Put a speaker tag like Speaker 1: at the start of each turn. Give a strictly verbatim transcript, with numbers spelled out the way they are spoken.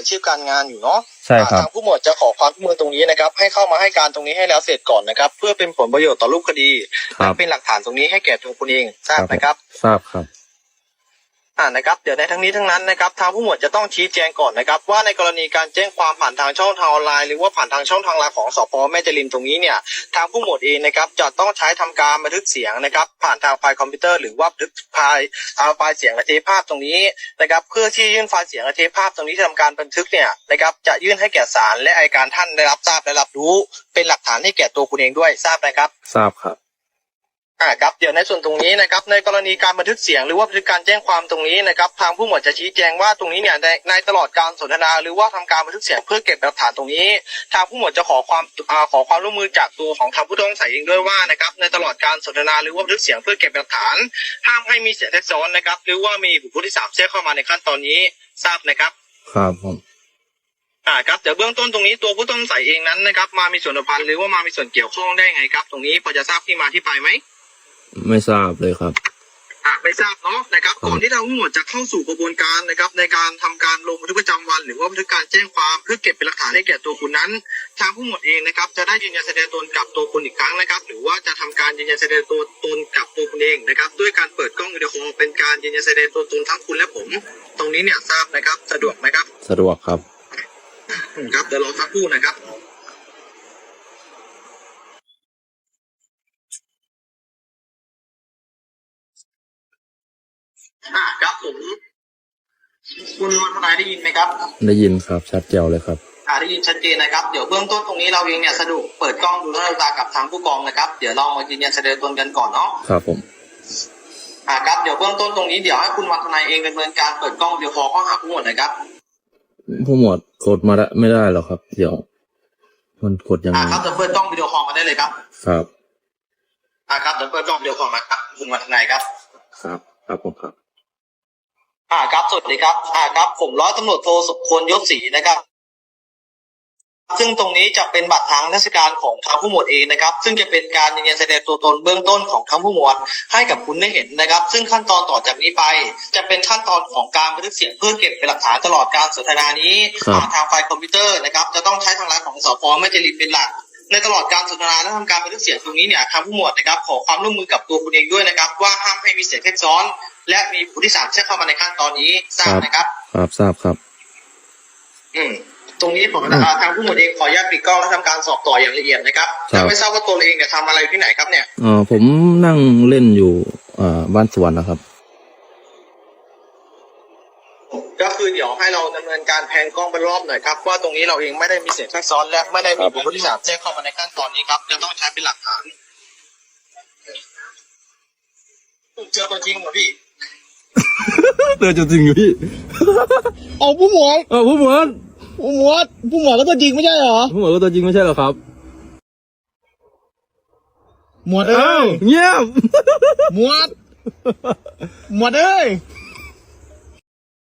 Speaker 1: ชีพการงานอยู่เนาะ
Speaker 2: ใช่ครับ
Speaker 1: ทางผู้หมวดจะขอความร่วมมือตรงนี้นะครับให้เข้ามาให้การตรงนี้ให้แล้วเสร็จก่อนนะครับเพื่อเป็นผลประโยชน์ต่อรูปคดีและเป็นหลักฐานตรงนี้ให้แก่ตัวคุณเองทราบไหมครับ
Speaker 2: ทราบครับ
Speaker 1: อ่านะครับเดี๋ยวในทั้งนี้ทั้งนั้นนะครับทางผู้หมวดจะต้องชี้แจงก่อนนะครับว่าในกรณีการแจ้งความผ่านทางช่องทางออนไลน์หรือว่าผ่านทางช่องทางไลน์ของสปแม่จริมตรงนี้เนี่ยทางผู้หมวดเองนะครับจะต้องใช้ทำการบันทึกเสียงนะครับผ่านทางไฟล์คอมพิวเตอร์หรือว่าบันทึกไฟล์เอาไฟล์เสียงและเทปภาพตรงนี้นะครับเพื่อที่ยื่นไฟล์เสียงและเทปภาพตรงนี้ที่ทำการบันทึกเนี่ยนะครับจะยื่นให้แก่ศาลและอัยการท่านได้รับทราบและรับรู้เป็นหลักฐานให้แก่ตัวคุณเองด้วยทราบไหมครับ
Speaker 2: ทราบครับ
Speaker 1: อ่าครับเดี๋ยวในส่วนตรงนี้นะครับในกรณีการบันทึกเสียงหรือว่าบันทึกการแจ้งความตรงนี้นะครับทางผู้หมวดจะชี้แจงว่าตรงนี้เนี่ยในในตลอดการสนทนาหรือว่าทำการบันทึกเสียงเพื่อเก็บหลักฐานตรงนี้ทางผู้หมวดจะขอความอ่าขอความร่วมมือจากตัวของทางผู้ต้องสงสัยเองด้วยว่านะครับในตลอดการสนทนาหรือว่าบันทึกเสียงเพื่อเก็บหลักฐานห้ามให้มีเสียงแทรกซ้อนนะครับหรือว่ามีบุคคลที่สามแทรกเข้ามาในขั้นตอนนี้ทราบนะครับ
Speaker 2: ครับผม
Speaker 1: อ่าครับเดี๋ยวเบื้องต้นตรงนี้ตัวผู้ต้องสงสัยเองนั้นนะครับมามีส่วนสัมพันธ์หรือว่ามามีส่วนเกี่ยวข้องได้ไงครับตรงนี้พอจะทราบที่มาที่ไปไหม
Speaker 2: ไม่ทราบเลยครับ
Speaker 1: อ่ะไม่ทราบเนาะนะครับก่อนที่ทางผู้หมวดจะเข้าสู่กระบวนการนะครับในการทำการลงบันทึกประจำวันหรือว่าบันทึกการแจ้งความเพื่อเก็บเป็นหลักฐานให้แก่ตัวคุณนั้นทางผู้หมวดเองนะครับจะได้ยืนยันแสดงตนกับตัวคุณอีกครั้งนะครับหรือว่าจะทำการยืนยันแสดงตัวตนกับตัวคุณเองนะครับด้วยการเปิดกล้องวิดีโอเป็นการยืนยันแสดงตัวตนทั้งคุณและผมตรงนี้เนี่ยทราบนะครับสะดวกไหมครับ
Speaker 2: สะดวกครับ
Speaker 1: ครับเดี๋ยวรอสักครู่นะครับอ่าครับผมคุณวันทนายได้ยินไหมครับ
Speaker 2: ได้ยินครับชัดเจนเลยครับ
Speaker 1: อ่าได้ยินชัดเจนนะครับเดี๋ยวเบื้องต้นตรงนี้เราเองเนี่ยสะดวกเปิดกล้องดูหน้าตากับทางผู้กองนะครับเดี๋ยวเรามายืนยันแสดงตนกันก่อนเนาะ
Speaker 2: ครับผม
Speaker 1: อ่าครับเดี๋ยวเบื้องต้นตรงนี้เดี๋ยวให้คุณวันทนายเองดำเนินการเปิดกล้องวิดีโอคอลเข้าหาผู้หมวดนะครับ
Speaker 2: ผู้หมวดกดมาได้ไม่ได้หรอครับเดี๋ยวมันกดยังไง
Speaker 1: อ่าครับเดี๋ยวเปิดกล้องวิดีโอคอลมาได้เลยครับ
Speaker 2: ครับ
Speaker 1: อ่าครับเดี๋ยวเปิดกล้องวิดีโอคอลมาครับคุณวันทนายครับ
Speaker 2: ครับครับผมครับ
Speaker 1: อ่าครับสวัสดีครับอ่าครับผมร้อยตำรวจโทสุพลยศศรีนะครับซึ่งตรงนี้จะเป็นบัตรทางราชการของทางผู้หมวดเองนะครับซึ่งจะเป็นการยืนยันแสดงตัวตนเบื้องต้นของทางผู้หมวดให้กับคุณได้เห็นนะครับซึ่งขั้นตอนต่อจากนี้ไปจะเป็นขั้นตอนของการบันทึกเสียงเพื่อเก็บเป็นหลักฐานตลอดการสนทนานี้ผ่านทางไฟล์คอมพิวเตอร์นะครับจะต้องใช้ทางไลน์ของสพแม่จริมเป็นหลักในตลอดการสนทนาและทำการบันทึกเสียงตรงนี้เนี่ยทางผู้หมวดนะครับขอความร่วมมือกับตัวคุณเองด้วยนะครับว่าห้ามให้มีเสียงแทรกซ้อนและมีผู้ที่สามแทรกเข้ามาในขั้นตอนนี้ทราบนะครับ
Speaker 2: ครับทราบครับ
Speaker 1: อืมตรงนี้ผมทางผู้หมวดเองขออนุญาตปิดกล้องและทำการสอบต่ออย่างละเอียดนะครับจะไม่ทราบว่าตัวเองเนี่ยทำอะไรที่ไหนครับเนี่ย
Speaker 2: อ๋อผมนั่งเล่นอยู่อ่าบ้านสวนนะครับ
Speaker 1: ก็คือเดี๋ยวให้เราดำเนินการแพนกล้องเป็นรอบหน่อยครับว่าตรงนี้เราเองไม่ได้มีเสียงแทรกซ้อนและไม่ได้มีบุคคลที่สามแทรกเข้ามาในขั้นตอนนี้ครับจะต้องใช้เป็นหลักฐานเจอตัวจริงเหรอพี่
Speaker 2: เจอตัวจริงอยู่พี่
Speaker 3: เอาผู้หมวด
Speaker 2: เออผู้หมวด
Speaker 3: ผู้หมวดผู้หมวดก็ตัวจริงไม่ใช่เหรอ
Speaker 2: ผู้หมวดก็ตัวจริงไม่ใช่เหรอครับ
Speaker 3: หมวดเอ้ย
Speaker 2: เงียบ
Speaker 3: หมวดหมวดเอ้ย